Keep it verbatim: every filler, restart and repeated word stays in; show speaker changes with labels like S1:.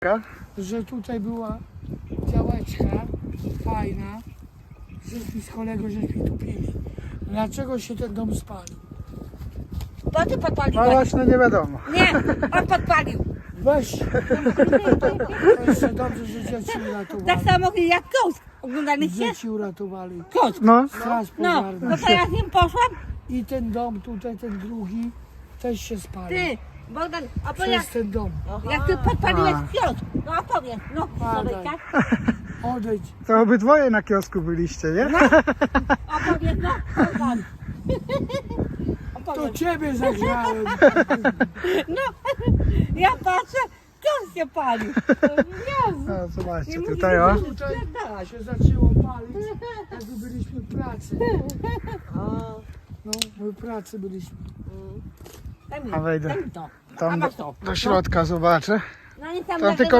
S1: że tutaj była działeczka fajna, żeśmy z kolegą żeśmy tu pili. Dlaczego się ten dom spalił?
S2: Bo ty podpaliłeś.
S3: No właśnie nie wiadomo.
S2: Nie, on podpalił.
S1: Weź! To jeszcze dobrze, że dzieci
S2: Tak
S1: uratowali.
S2: samo jak kos. Oglądaliście?
S1: Dzieci uratowali.
S2: Kos.
S3: No,
S1: Straż
S2: No,
S1: pożarna.
S2: no to ja z nim poszłam.
S1: I ten dom tutaj, ten drugi, też się spalił.
S2: Ty, Bogdan, opowiedz,
S1: Przez ten dom.
S2: jak ty podpaliłeś
S3: A.
S2: kiosk. No opowiedz, no,
S1: Padaj.
S2: Słowejka.
S1: Odejdź.
S3: to obydwoje na kiosku byliście, nie?
S2: Opowiedz, no, Bogdan.
S1: To
S2: Opowiedz.
S1: ciebie zagrzałem.
S2: No, ja patrzę, kiosk się palił. Jezu.
S3: No, zobaczcie,
S2: Nie
S3: tutaj o.
S2: mówię,
S1: Tutaj
S2: Spierdalać.
S1: się zaczęło palić, jakby byliśmy w pracy.
S2: O,
S1: No, my w pracy byliśmy.
S2: daj mi,
S3: A wejdę.
S2: daj mi to. A
S3: Tam
S2: masz
S3: do,
S2: to.
S3: do środka zobaczę.
S2: No i tam
S3: Tam
S2: na
S3: tylko